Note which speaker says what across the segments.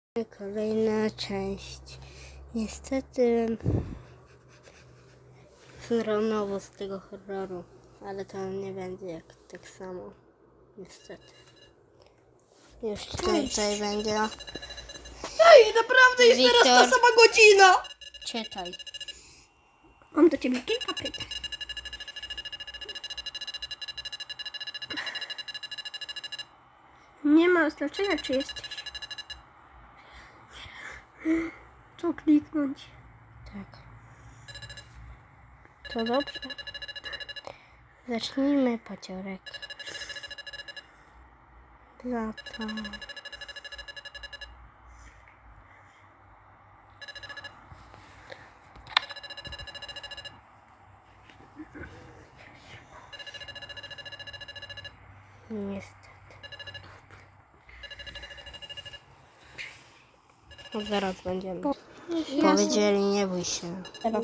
Speaker 1: Kolejna część. Niestety znowu z tego horroru, ale to nie będzie jak tak samo. Niestety. Już tutaj będzie.
Speaker 2: Ej, naprawdę jest
Speaker 1: Wiktor.
Speaker 2: teraz ta sama godzina!
Speaker 1: Czytaj.
Speaker 2: Mam do ciebie kilka pytań. Nie ma znaczenia, czy jesteś. Co kliknąć?
Speaker 1: Tak. To dobrze. Zacznijmy paciorek. Lata. Niestety. No zaraz będziemy. Powiedzieli, nie bój się.
Speaker 2: Teraz.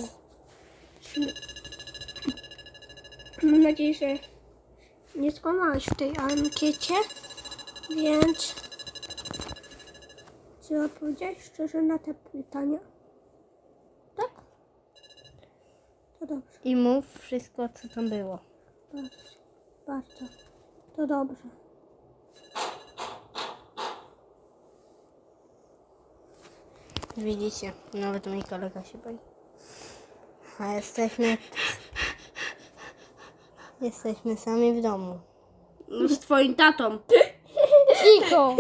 Speaker 2: Mam nadzieję, że nie skłamałeś w tej ankiecie, więc czy odpowiedziałeś szczerze na te pytania? Tak? To dobrze,
Speaker 1: I mów wszystko, co tam było.
Speaker 2: bardzo. To dobrze.
Speaker 1: Widzicie, nawet mój kolega się boi. A jesteśmy sami w domu.
Speaker 2: No z twoim tatą.
Speaker 1: Cicho!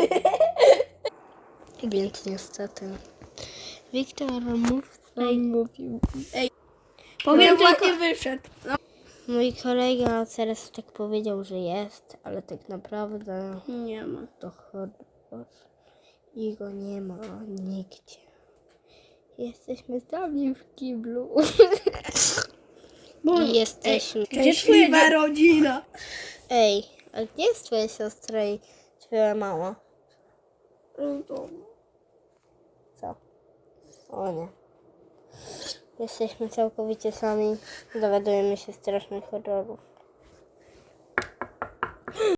Speaker 1: Więc niestety. Wiktor, mów, co on mówił.
Speaker 2: Powiem tylko... wyszedł.
Speaker 1: Mój kolega teraz tak powiedział, że jest, ale tak naprawdę
Speaker 2: Nie ma.
Speaker 1: to horror. I go nie ma nigdzie. Jesteśmy sami w kiblu. I jesteśmy...
Speaker 2: Gdzie twoja rodzina?
Speaker 1: Ej, a gdzie jest twoja siostra i twoja mama? Co? O nie. Jesteśmy całkowicie sami. Dowiadujemy się strasznych horrorów.